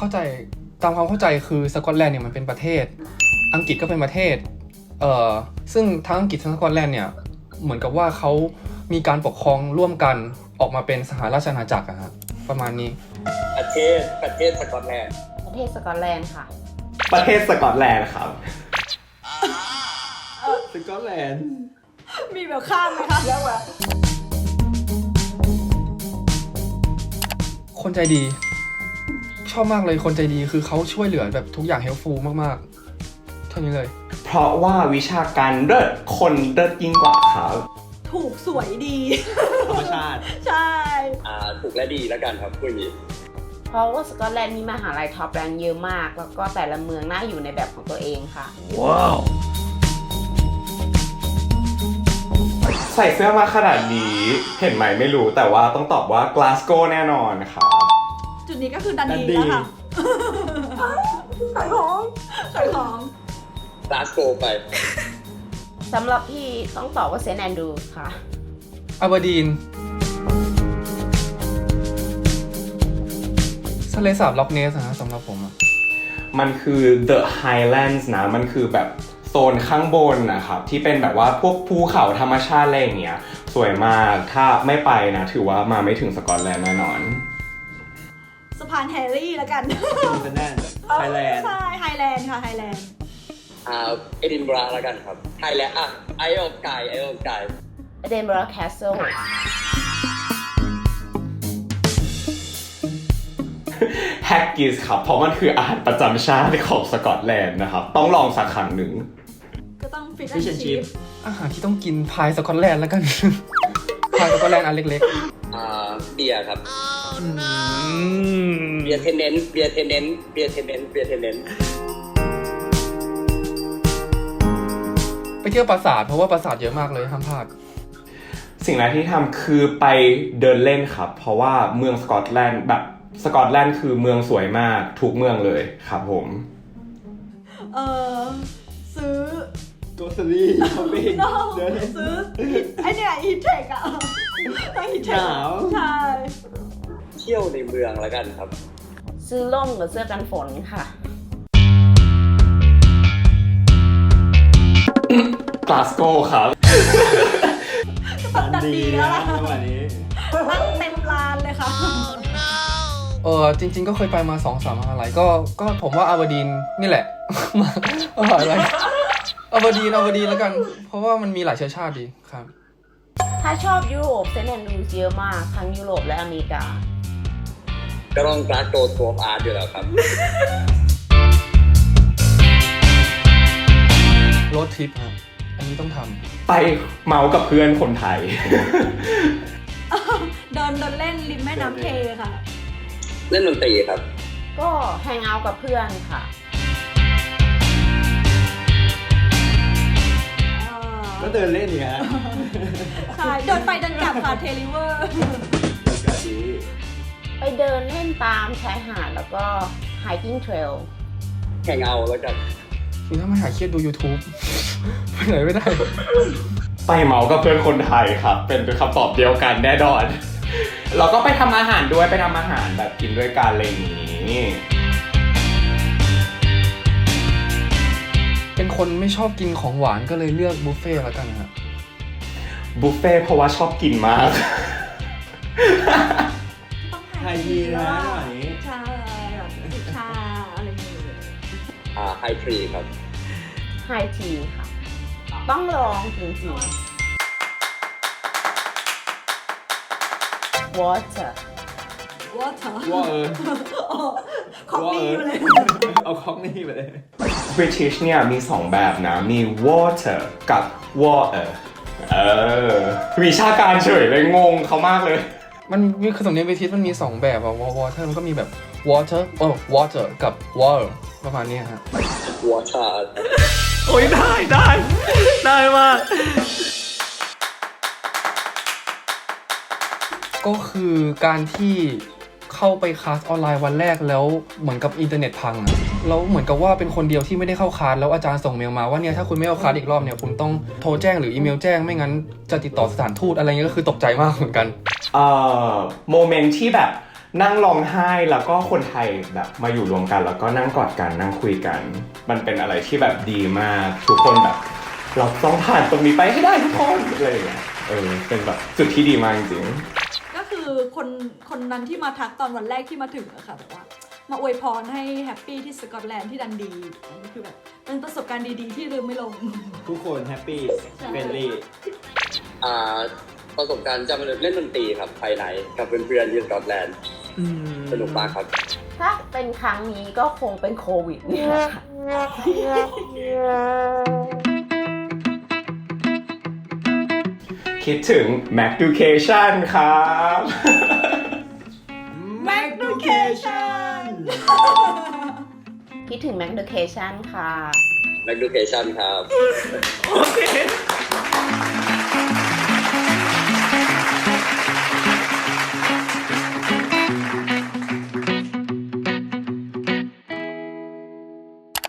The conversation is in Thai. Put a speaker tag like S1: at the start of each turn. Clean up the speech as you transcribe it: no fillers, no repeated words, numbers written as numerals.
S1: เข้าใจตามความเข้าใจคือสกอตแลนด์เนี่ยมันเป็นประเทศอังกฤษก็เป็นประเทศซึ่งทั้งอังกฤษทั้งสกอตแลนด์เนี่ยเหมือนกับว่าเขามีการปกครองร่วมกันออกมาเป็นสหราชอาณาจักรอะฮะประมาณนี้
S2: ประเทศสกอตแลนด์
S3: ประเทศสกอตแลนด์ค่ะ
S4: ประเทศสกอตแลนด์ครับสกอตแลนด์
S5: มีแบบข้ามไหมคะเยอะกว่า
S1: คนใจดีชอบมากเลยคนใจดีคือเขาช่วยเหลือแบบทุกอย่างเฮลฟูลมากๆเท่านี้เลย
S4: เพราะว่าวิชาการเลิศคนเลิศยิ่งกว่าครับ
S5: ถูกสวยดี
S4: ธรรมชาติ
S5: ใช่
S2: ถูกและดีแล้วกันครับพูดอย่างนี้
S3: เพราะว่าสกอตแลนด์มีมหาลัยท็อปแรงเยอะมากแล้วก็แต่ละเมืองน่าอยู่ในแบบของตัวเองค่ะ
S4: ว้าวใส่เสื้อมาขนาดนี้เห็นไหมไม่รู้แต่ว่าต้องตอบว่ากลาสโกแน่นอนค่ะ
S5: จุดนี้ก็คือดันดีแล้วค่ะขายของ
S2: กลาสโกไป
S3: สำหรับพี่ต้องตอบว่าเซนต์แอนดรูว์ค่ะ
S1: อาเบอร์ดีนทะเลสาบล็อกเนสนะสำหรับผมอะ
S4: มันคือ The Highlands นะมันคือแบบโซนข้างบนนะครับที่เป็นแบบว่าพวกภูเขาธรรมชาติอะไรอย่างเงี้ยสวยมากถ้าไม่ไปนะถือว่ามาไม่ถึงสกอตแลนด์แน่นอน
S5: สะพานแฮร์รี่แล้วกัน
S4: เป็นแน่ไฮแลนด์
S5: ใช่ไฮแลนด์ค่ะไฮแลนด์
S2: เอดินบะระแล้วกันครับไฮแลนด์ไอออนไก
S3: เอดินบะระแคสเซิล
S4: แฮกกิสครับเพราะมันคืออาหารประจำชาติของสกอตแลนด์นะครับต้องลองสักครั้งหนึ่ง
S5: ก็ต้องฟิชแอนด์ชิพ
S1: อาหารที่ต้องกินพายสกอตแลนด์แล้วกันพายสกอตแลนด์อันเล็ก
S2: ๆเบียร์ครับเบียร์เทนเนน
S1: ไปเที่ยวปราสาทเพราะว่าปราสาทเยอะมากเลยห้ามพลาด
S4: สิ่งแรกที่ทำคือไปเดินเล่นครับเพราะว่าเมืองสกอตแลนด์แบบสกอตแลนด์คือเมืองสวยมากทุกเมืองเลยครับผม
S5: ซื้อ
S4: โกสตี้ช้อปปิ้ง
S5: ซื้อไอเนี่ยฮีทเทคอะฮีทเทค
S4: หนาว
S5: ใช่
S2: เที่ยวในเมืองแล้วกันครับ
S3: ซื้อร่มกับเสื้อกันฝนค่ะ
S4: กลาสโกครับ
S5: ดันดีแล้วล่ะวันนี้ตั้งเต็มลานเลยค่ะ
S1: จริงๆก็เคยไปมา 2-3 มหาลัยก็ผมว่าอาเบอร์ดีนนี่แหละอะไรอาเบอร์ดีนแล้วกันเพราะว่ามันมีหลายเชื้อชาติดีครับ
S3: ถ้าชอบยุโรปเซนต์แอนดรูว์เยอะมากทั้งยุโรปและอเมริกา
S2: ก็ต้องกลาสโกทัวร์อาร์ตอยู่แล้วครับ
S1: โรดทริปครับอันนี้ต้องท
S4: ำไปเมากับเพื่อนคนไทย
S5: เดินเล่นริมแม่น้ำเทค่ะ
S2: เล่นดนตรีครับ
S3: ก็แฮงเอาท์กับเพื่อนค่ะ
S4: ก็เดินเล่นเนี่ย
S5: ใช่เดินไปเดินกลับค่ะเทลิเวอร์
S3: ไปเดินเล่นตามชายหาดแล้วก็ hiking trail
S2: แฮงเอาท์แล้วกัน
S1: คือถ้าไม่หาเครียดดู YouTube ไปไหนไม่ได้
S4: ไปเมากับเพื่อนคนไทยครับเป็นคำตอบเดียวกันแน่นอนเราก็ไปทำอาหารด้วยไปทำอาหารแบบกินด้วยกันอะไรอย่างนี้
S1: เป็นคนไม่ชอบกินของหวานก็เลยเลือกบุฟเฟ่ต์แล้วกันครับ
S4: บุฟเฟ่ต์เพราะว่าชอบกินมาก
S5: ต้องไฮทีนะชาชาอะไรอย่างเงี้
S2: ยไฮทรีครับ
S3: ไฮทีค่ะต้องลองจริงๆwater
S5: คอกนี่ไปเลย
S4: เอาคอกนี่ไปเลย British เนี่ยมี2แบบนะมี water กับ water วิชาการเฉยเลยงงเขามากเลย
S1: มันมีคือสำเนียง British มันมี2แบบอะ water มันก็มีแบบ water water กับ water ประมาณนี้ฮะ
S2: water
S1: โอ้ยได้มากก็คือการที่เข้าไปคลาสออนไลน์วันแรกแล้วเหมือนกับอินเทอร์เน็ตพังอะแล้วเหมือนกับว่าเป็นคนเดียวที่ไม่ได้เข้าคลาสแล้วอาจารย์ส่งเมลมาว่าเนี่ยถ้าคุณไม่เข้าคลาสอีกรอบเนี่ยคุณต้องโทรแจ้งหรืออีเมลแจ้งไม่งั้นจะติดต่อสถานทูตอะไรเงี้ยก็คือตกใจมากเหมือนกัน
S4: โมเมนต์ที่แบบนั่งร้องไห้แล้วก็คนไทยแบบมาอยู่รวมกันแล้วก็นั่งกอดกันนั่งคุยกัน มันเป็นอะไรที่แบบดีมากทุกคนแบบเราต้องผ่านตรงนี้ไปให้ได้ทุกคนอะไรอย่างเงี้ยเป็นแบบจุดที่ดีมากจริง
S5: ก็คือคนนั้นที่มาทักตอนวันแรกที่มาถึงอะค่ะแบบว่ามาอวยพรให้แฮปปี้ที่สกอตแลนด์ที่ดันดีอันนี้คือแบบเป็นประสบการณ์ดีๆที่ลืมไม่ลง
S6: ทุกคนแฮปปี้เฟรนลี่
S2: ประสบการณ์จะมาเล่นดนตรีครับภายในกับเพื่อนๆที่สกอตแลนด์สนุกมากครับ
S3: ถ้าเป็นครั้งนี้ก็คงเป็นโควิดเนี่ยแหละค่ะ
S4: คิดถึง Macducation ครับ
S5: Macducation
S3: คิดถึง Macducation ค่ะ
S2: Macducation ครับ
S6: โอเค